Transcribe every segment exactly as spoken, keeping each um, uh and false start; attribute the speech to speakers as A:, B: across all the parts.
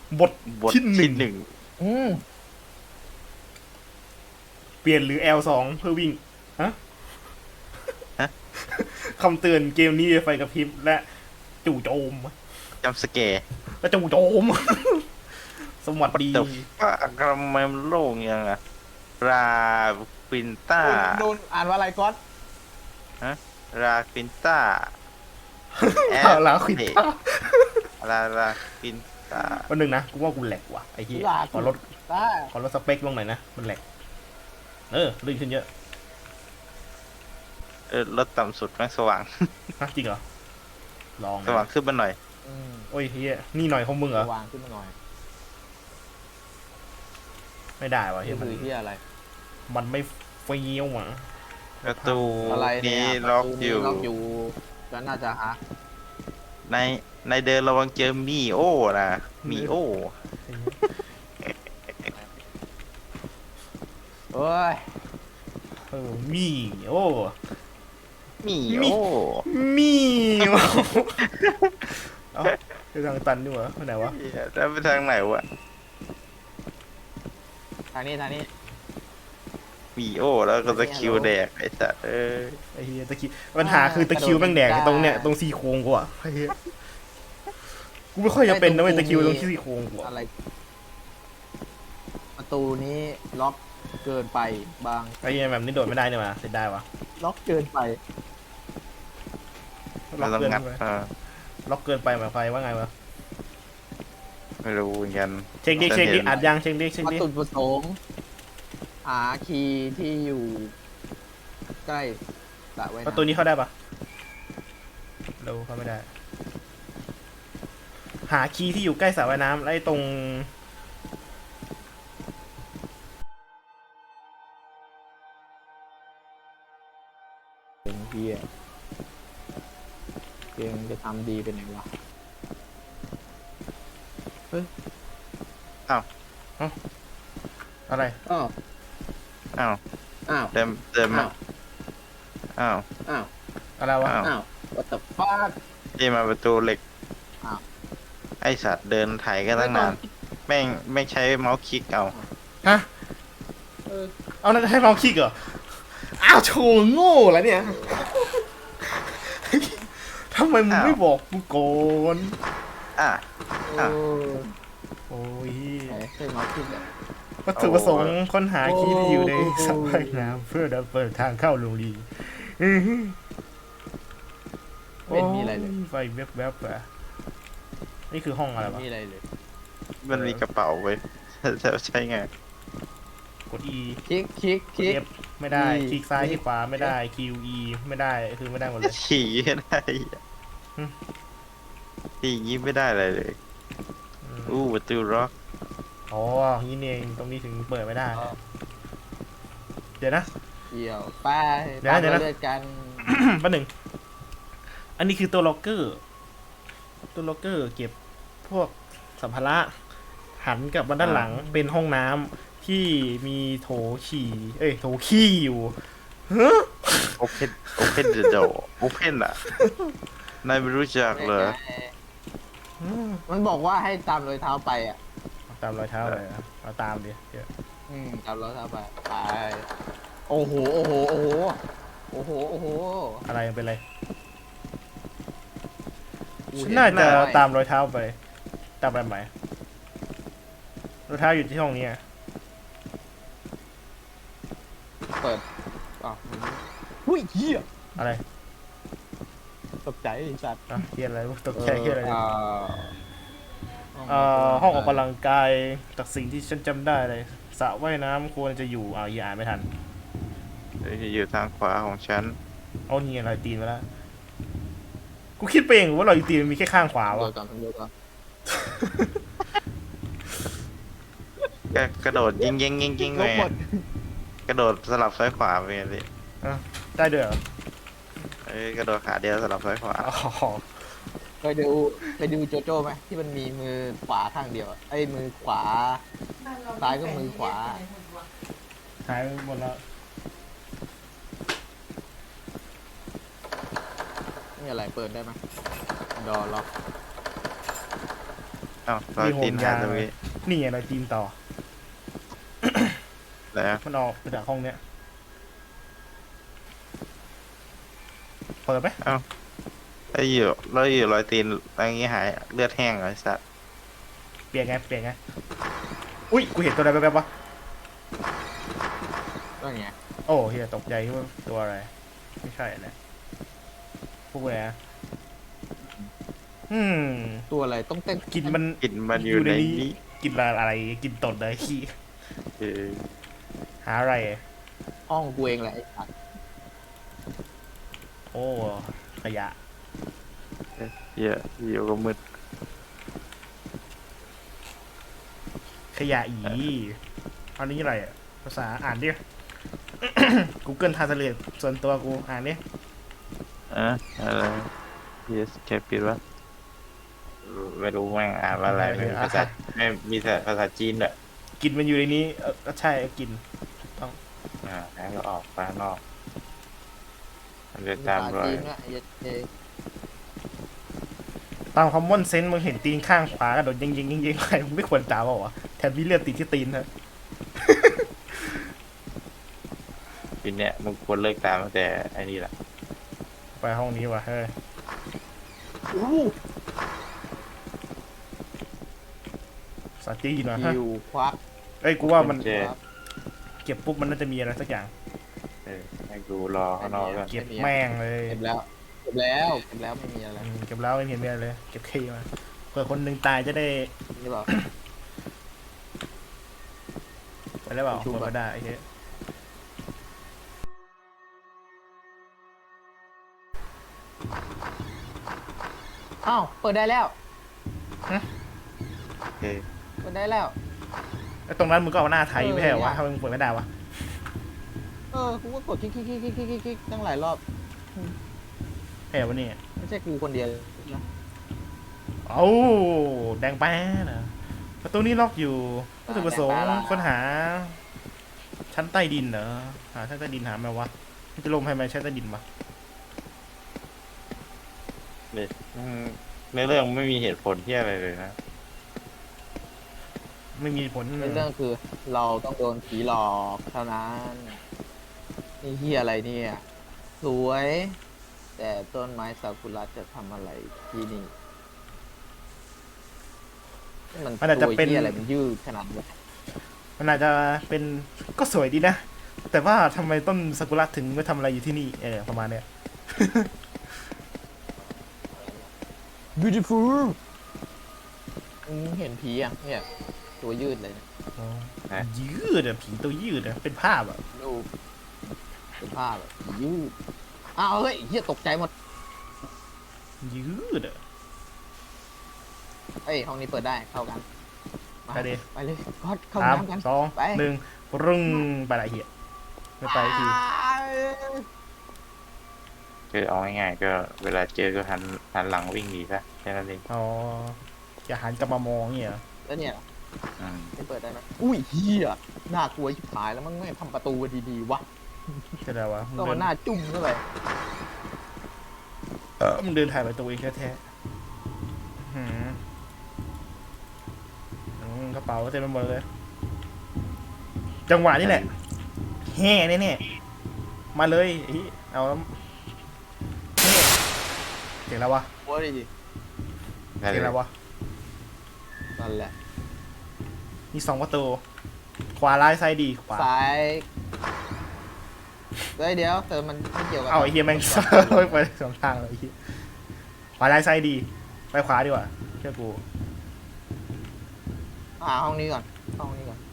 A: บท
B: บท
A: ที่หนึ่ง
B: หนึ่ง
C: อืม
A: เปลี่ยนหรือ แอล สอง เพื่อวิ่งฮะ
B: ฮะ
A: คำเตือนเกมนี้ไฟกระพริบและจู่โจม
B: จำสเกร์
A: และจู่โจม สวัสดี
B: แต่ว่าทำไมมันโล่งยังอะราฟินต้า
C: โดนอ่านว่าอะไรก๊อต
B: ฮะราฟินต้าแอ
A: ลาควินต้า
B: ราราฟินต้า
A: วันหนึ่งนะกูว่ากูแหลกว่ะไอ้เหี้ย
C: ลา
A: ขอลด
C: ได้
A: ขอลดสเปคลงหน่อยนะมันแหลกเออลื่นขึ้นเยอะ
B: เออลดต่ำสุดแม่งสว่าง
A: ฮะจริงเหรอลอง
B: สว่างขึ้นมาหน่อย
C: อืม
A: โอ้ยเหี้ยนี่หน่อยของมึงเหรอ
C: วางขึ้นมาหน่อย
A: ไม่ได้ว่ะเหี้
C: นี่
A: ยมัน
C: คือที่อะไร
A: มันไม่เฟี้ยวอ่ะ
B: ประตู
C: อะไรเนี่
B: นี้
C: ย
B: ล็อก
C: ประตู
B: อ
C: นี้
B: ยู่
C: ล็อกอยู่ก็น่าจะหา
B: ในในเดินระวังเจอมีโอนะมีโอ
C: เอ้ย
A: เออมีโอ้
B: มี
A: มี
B: โอ
A: มีโอ้เอ้าไปทางตันดีกว่าไปไหนวะ
B: เหี้ยแล้วไปทางไหนวะ
C: ทางนี้ทางนี้
B: มีโอแล้วก็ตะคริวแดกไอ้สัสเอ้ย
A: ไอ้เหี้ยตะคิวปัญหาคือตะคริวแม่งแดกตรงเนี้ยตรงซี่โครงกูอ่ะไอ้เหี้ยกูไม่ค่อยจะเป็นนะเว้ยตะคริวตรงซี่โครงกูอะ
C: อะไร ประตูนี้ล็อกเกินไปบาง
A: ไอ้เหี้ยแบบนี้โดดไม่ได้เนี่ยมาเสร็จได้วะ
C: ล็อกเกินไป
A: ล็
B: เรา
A: อก
B: ต้อง
A: เกิน
B: งัด
A: ไป
B: เออ
A: ล็อกเกินไปหมายความว่าไงวะ
B: ไม่รู้เหมือนกัน
A: เช็คดิเช็คดิอัดยังเช็คดิเช็ค
C: วัต
A: ดิ
C: ถุประสงค์หาคีย์ที่อยู่ใกล้สระว่าย
A: ประตู
C: น้ำ
A: นี้เข้าได้ปะเราเข้าไม่ได้ หาคีย์ที่อยู่ใกล้สระว่ายน้ำไล่ตรง
C: เป็นเฮียเกมจะทำดีเป็นไงวะ
A: อะไร
C: อ้าว
B: อ้าว
C: อ้าว
B: เดินเดินมาอ้าว
C: อ้าว
A: อะไรวะ
B: อ้าว
C: อ้าว what the fuck
B: ที่มาประตูเหล็ก
C: อ้าว
B: ไอสัตว์เดินไถกันตั้งนานแม่งไม่ใช้เมาส์คลิกเอา
A: ฮะ
C: เออ
A: เอาแล้วจะให้เราคลิกเหรอ อ้าวโชว์โง่แล้วเนี่ย ทำไมมึงไม่บอกกูก่อน
B: อ่ะ
C: โอ้
A: โอ้ย
C: ไหนเคยมาคิดอ่ะ
A: วัตถุประสงค์ค้นหาคีย์ที่อยู่ใน
C: โอ้
A: สระว่ายน้ำเพื่อเปิดทางเข้าโรงเรียนอื้อหือ
C: ไม่มีอะไรเลย
A: โไฟแวบๆอะนี่คือห้องอะไร
C: ไม่
A: วะ
C: มีอะไรเลย
B: มันมีกระเป๋าไว้ จะใช้ไง
A: กด E
C: คลิกคลิกคลิก
A: F ไม่ได้
C: E
A: คลิกซ้าย
C: คลิ
A: ที่
C: ก
A: ขวาไม่ได้ Q E ไม่ได้คือไม่ได้หมดเลย
B: ขี่ไม่ได้
A: อืม
B: ขี่อย่างงี้ไม่ได้อะไรเลย
A: อืม
B: อู้ประตูล็อก
A: อ๋อนี่เองตรงนี้ถึงเปิดไม่ได้ เดี๋ยวนะ
C: เกี่ยวไป
A: เดี๋ยว
C: ตา
A: นะ
C: ม
A: เดี๋ยวนะ
C: เลือดกัน
A: แป๊บหนึ่งอันนี้คือตัวล็อกเกอร์ ตัวล็อกเกอร์เก็บพวกสัมภาระหันกลับมาด้านหลังเป็นห้องน้ำที่มีโถฉี่ เอ้ย โถขี้อยู่ฮะ
B: โอเพนโอเพนเดอะโดโอเพนอ่ะนายไม่รู้จักเหรอ
A: อืม
C: มันบอกว่าให้ตามรอยเท้าไปอ่ะ
A: เอาตามรอยเท้าเลยอะเอาตามดิเดี๋ยว
C: อืมตามรอยเท้าไปไปโอ้โหโอ้โหโอ้โหโอ้โหโอ้โห
A: อะไรมันเป็นไร
C: กู
A: ฉัน
C: เห็
A: น่าจะ
C: ได้
A: ตามรอยเท้าไป ตามไปไหมรอยเท้าอยู่ที่ห้องนี้อะ
C: เปิดอ้าวหุ้ยเหี้ย
A: อะไร
C: ตกใจไอ้สัตว์
A: อ่ะเฮียอะไรตกใจเฮียอะไร
C: อ่า
A: เอ่อห้องออกกำลังกายจากสิ่งที่ฉันจำได้เลยสระว่ายน้ำควรจะอยู่อ่าวอย่าอ่านไม่ทัน
B: อยู่ทางขวาของฉัน
A: เอานี่อะไรตีนมาแล้วกูคิดไปเองว่าเราตีนมันมีแค่ข้างขวา
C: เดี๋ยว
A: วะ
C: ก่อนเดี๋ยวก่อน
B: ก็กระโดดยิงยิงยิงยิง
C: ล
B: ไป
C: บหมด
B: กระโดดสลับซ้ายขวาไปไงสิ
A: ได้ด้วยเหรอ
B: เอ้ยกระโดดขาเดียวสลับซ้ายขวา
A: อ๋อ
C: เคยดูเคยดูโจโจ้ไหมที่มันมีมือขวาข้างเดียวอะไอ้มือขวา ซ้ายก็มือขวา
A: หายไปหมดแล้ว
C: นี่อะไรเปิดได้ไหมดอล็อก
B: เอ้าเราตีนหายตรงนี้
A: นี่ไงรอยตีนต่อ
B: แล้ว
A: มันออกมาจากห้องเนี้ยเปิดไหม
B: แล้วอยู่แล้วอยู่รอยตีนอะไรอย่างงี้หายเลือดแห้งเหรอไอ้สัตว์
A: เปลี่ยนไงเปลี่ยนไงอุ้ยกูเห็นตัวอะไรแป๊บๆวะ
C: ก็ไง
A: โอ้เฮียตกใจว่าตัวอะไรไม่ใช่นะพวกอะไรอะอืม
C: ตัวอะไรต้องเต้น
A: กินมัน
B: กลิ่นมันอยู่ในนี้
A: กินอะไรกินตดเลยขี้
B: เออ
A: หาอะไร
C: ห้องกูเองแหละไอ้สัตว์
A: โอ้ขยะ
B: เหี้ยอยู่ก็มืด
A: ขยะอีอันนี้อะไรอะภาษาอ่านดิ Google Translate ส่วนตัวกูอ่านดิ
B: อะอะไร yes แค่ปิดวะไม่รู้แม่งอ่านว่าอะไรไม่มีภาษาไม่มีแต่ภาษาจีนด้วย
A: กินมันอยู่ในนี้เออใช่กิน
B: อ่าแล้วก็ออกไปข้างนอกมันจะ
C: ภา
B: ตาม
C: ษาร
B: อย
C: จีนอะเย็ดเจ
A: ตามคอมมอนเซนส์มึงเห็นตีนข้างขวากระโดดยิงยิงยิงยิงใครมึงไม่ควรตามเปล่าวะแถมมีเลือดติดที่ตีนนะ
B: ทีเนี้ยมึงควรเลิกตามตั้งแต่ไอ้นี่แหละ
A: ไปห้องนี้ว่ะเฮ้ย
C: อู้
A: สาจีนว่ะ
C: หู
A: ฮะ
C: หิวควัก
A: เอ้ยกูว่ามัน
B: เจ
C: ควัก
A: เก็บปุ๊บมันน่าจะมีอะไรสักอย่าง
B: เออให้กูรอข้างนอกก่อน
A: เก็บแม่งเลย
C: เก็บแล้วเก็บแล้วเก็บแล้วไม่มีอะไร
A: อืมเก็บแล้วไม่เห็นมีอะไรเลย เก็บขี้มาเผื่อคนหนึ่งตายจะได้
C: นี่เปล่า
A: ไปแล้วเปล่า
C: ชู
A: เปิด
C: ก่อน
A: ไม่ได้ไอ้เหี้ย
C: อ้าวเปิดได้แล้ว
B: โอเค
C: เปิดได้แล้ว
A: ไอ้ตรงนั้นมึงก็เอาหน้าไทย
C: เออ
A: ไม่ใช่เหรอวะ
C: เนี่ย
A: ถ้ามึงเปิดไม่ได้วะ
C: เออกูก็กดคลิกคลิกคลิกคลิกคลิกคลิกตั้งหลายรอบ
A: แค่วะเนี่ย
C: ไม่ใช่กูคนเดียวนะ
A: เอ้าแดงแป้นะประตูนี้ล็อกอยู่วัตถุประสงค์ค้นหา ชั้นใต้ดินเหรอหาชั้นใต้ดินหาไหมวะมันจะลงให้ไหมชั้นใต้ดินวะ
B: เนี่ยอืมในเรื่องไม่มีเหตุผลที่อะไรเลยนะ
A: ไม่มีผล
C: ในเรื่องคือเราต้องโดนผีหลอกเท่านั้นนี่เฮียอะไรเนี่ย สวย แต่ต้นไม้ซากุระจะทำอะไรที่นี่มัน
A: มันอาจจะเป็น
C: ตัวหี้ยอะไรมันยืดขนาดนี้
A: มันอาจจะเป็นก็สวยดีนะ แต่ว่าทำไมต้นซากุระถึงไม่ทำอะไรอยู่ที่นี่เออประมาณเนี้ย
C: beautiful มึงเห็นผีอ่ะเนี่ยตัวยืดเลยนะ
A: อ๋อยืดอะผีตัวยืดอะเป็นภาพอะ
C: ดูเป็นภาพแบบยืดอ้าวเฮ้ยเฮียตกใจหมด
A: ยืดอะ
C: เอ้ยห้องนี้เปิดได้เข้ากันมา
A: ไปดิ
C: ไปเลยก็เข้า
A: สาม
C: น้ำกัน
A: สอง
C: ไป
A: หนึ่งรึงไปละเหี้ยไม่ไปที
B: คือเอาง่ายๆก็เวลาเจอก็หันหันหลังวิ่งหนีซะแค่นั้นเอง
A: อ๋ออย่าหันกลับมามองเงี้ยเหรอ
C: แล้วเนี่ย
B: อืม
C: ไม่เปิดได้ไหมอุ้ยเฮียน่ากลัวชิบหายแล้วมันไม่ทำประตูดีๆวะ
A: จะได้วะมึง
C: ก็
A: เดิ
C: มัน นหน้าจุ่มเข้าไป
A: เออมึงเดินถ่ายไปตัวเองแท้ๆหืมอืมกระเป๋าเต็มไปหมดเลย จังหวะนี้แหละแห่แน่ๆมาเลยไอ้เอาแล้วแห่เสียงแล้ววะ
C: โอ้ยดิ
B: ได้
A: เสียง
B: เล
A: แล้
B: ยว
A: วะ
C: นั่นแหละ
A: มีสองประตู ขวาร้ายซ้ายดีขวา
C: ซ้ายเฮ้ยเดี๋ยวเติมมันไม่เกี่ยวกับ
A: เอาไอ้เฮียแม่ง ไปสองทางเลยไอ้เฮียขวาร้ายซ้ายดี ไปขวาดีกว่าเชื่อกู
C: หาห้องนี้ก่อนห้องนี้ก่อน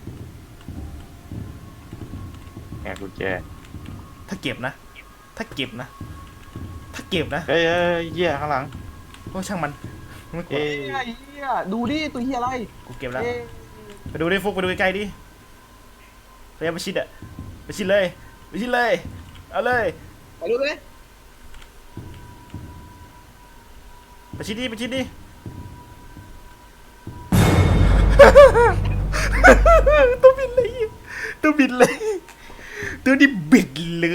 B: แง่กุญแจ
A: ถ้าเก็บนะ ถ้าเก็บนะ ถ้าเก็บนะ
B: เฮ้ยเฮ้ยเหี้ยข้างหลัง
A: โอ้ช่างมันไม่กลัว
B: เอ้ย
C: เฮ้ยเฮียดูดิตัวเฮียอะไร
A: กูเก็บแล้ว
C: เอ๊ะ
A: ไปดูดิฟุกไปดูใกล้ๆดิพยายามไปชิดอะไปชิดเลยไปชิดเลย เอาเลย
C: ไปดูเลย
A: ไปชิดดิไปชิดดิ ตัวบินเลยตัวบินเลย ตัวนี้บิดเลย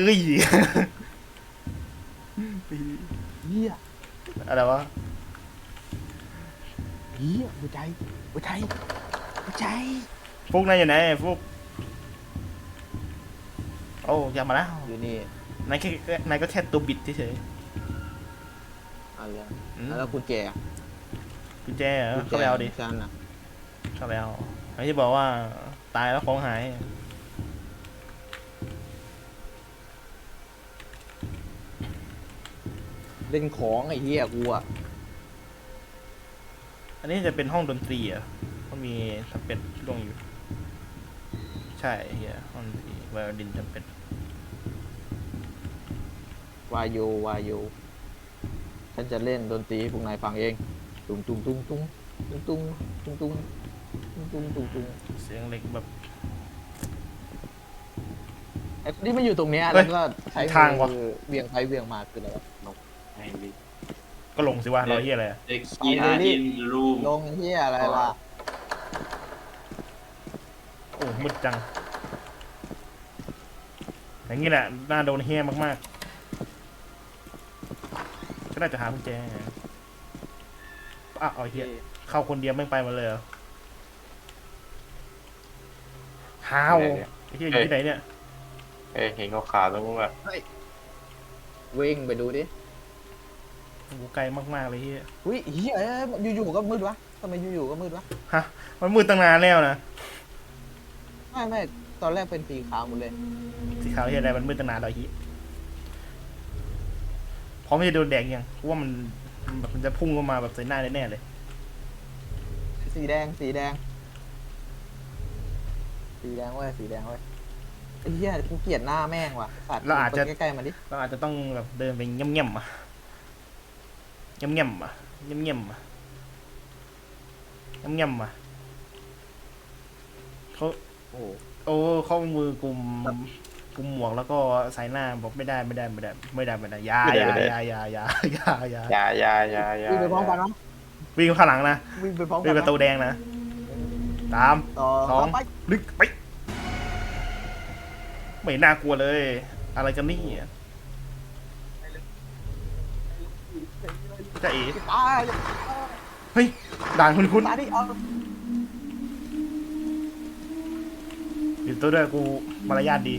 C: เฮีย
A: อะไรวะ
C: เฮียหัวใจหัวใจหัวใจ
A: ฟุกนายอยู่ไหนฟุกโอ้ยามาแล้ว
C: อยู่นี่
A: นายแค่นายก็แค่ตัวบิดเฉย
C: อะไร
A: ๆอืม
C: แล้วกุญแจ
A: กุญแจเหรอเข้าไปเอาดิ
C: ฉันน่ะ
A: เข้าไปเอาไอ้ที่บอกว่าตายแล้วของหาย
C: เล่นของไอ้เหี้ยกูอะ
A: อันนี้จะเป็นห้องดนตรีอ่ะมันมีสเปดลงอยู่ ใช่เฮียห้องดนตรีไวโอลินสเปด
C: วายโยวายโยฉันจะเล่นดนตรีให้พวกนายฟังเองตุ้งตุ้งตุ้งตุ้งตุ้งตุ้งตุ้งตุ้งตุ้งตุ้งตุ้งตุ้ง
A: เสียงเล็กแบบ
C: ไอ้ที่มันอยู่ตรงเนี้ย
A: เฮ้
C: แล้
A: ยว
C: ก็ใช้
A: ทางวะ
C: มือเวียงไปเวียงมาคืออะไรวะ
B: ไม่รี
A: ก็ลงสิวะรอเฮียอะไรอะ
B: เด็กกีอาร์อินรูม
C: ลงเหี้ยอะไรล่ะ
A: โอ้มืดจัง อย่างนี้แหละน่าโดนเฮียมากๆ ก็น่าจะหากุญแจอ่ะเอาเฮียเข้าคนเดียวไม่ไปหมาเลยเหรอฮาวไอ้เฮียอยู่ที่ไหนเนี่ย
B: เอ้ยเห็นเขาขาวๆตรงนู้นแบบ
C: วิ่งไปดูดิ
A: โอ้โหไกลมากๆเลยเฮีย
C: อุ้ยเหี้ยเอ้ยอยู่ๆก็มืดวะทำไมอยู่ๆก็มืดวะ
A: ฮะมันมืดตั้งนานแล้วนะ
C: ไม่ไม่ตอนแรกเป็นสีขาวหมดเลย
A: สีขาวเฮียอะไรมันมืดตั้งนานแล้วเฮียพร้อมจะโดนแดกยังเพราะว่ามันแบบมันจะพุ่งลงมาแบบใส่หน้าแน่ๆเลย
C: สีแดงสีแดง สีแดงเว้ยสีแดงเว้ยไอ้เหี้ยกูเกลียดหน้าแม่งว่ะสัตว์
A: เราอาจจะ
C: ไปใกล้ๆมาดิ
A: เราอาจจะต้องแบบเดินไปเงียบๆอ่ะเงียบๆอ่ะเงียบๆอ่ะเงียบๆอ่ะเขา
C: โอ้
A: โอ้เขามือกลุ่มกลุ่มหมวกแล้วก็ใส่หน้าบอกไม่ได้ไม่ได้ไม่ได้ไม่ได้ไม่ได้อยาอยาอยาอยาอยาอยาอยา
B: อยาอยาอยาอยา
C: วิ่งไปพร้อมกันนะ
A: วิ่งข้างหลังนะ
C: วิ่งไปพร้อมกั
A: วิ่ง
C: น
A: ประตู
C: นะ
A: แดงนะสาม
C: ต่อ
A: สอง
C: ไป
A: ลึกไปไม่น่ากลัวเลย อะไรกันนี่จะเอ๋
C: ตาย
A: เฮ้ยด่านคุณคุณ
C: ตายดิเอา
A: อยู่ตัวด้วยกูมารยาทดี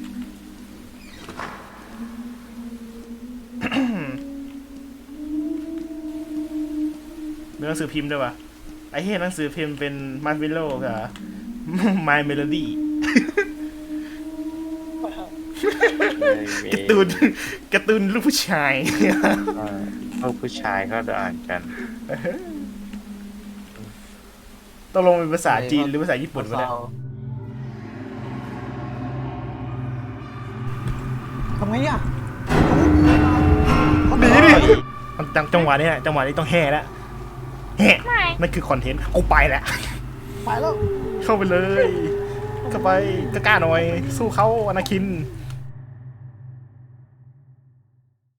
A: มีหนังสือพิมพ์ด้วยวะไอ้เหี้ยหนังสือพิมพ์เป็นมาร์เวลโล่กับ My Melody การ์ตูนการ์ตูนลูกผู้ชาย
B: พวกผู้ชายก็อ่านกัน
A: ต้องลงเป็นภาษาจีนหรือภาษาญี่ปุ่นวะเนี่ย
C: ทำไงอ่ะ
A: หนีดิจังจังหวะนี้แหละจังหวะนี้ต้องแห่แล้วแห่นั่นคือคอนเทนต์กูไปแล้ว
C: ไปแล้ว
A: เข้าไปเลย เข้าไปกล้าๆหน่อย สู้เขาอนาคิน
C: ไ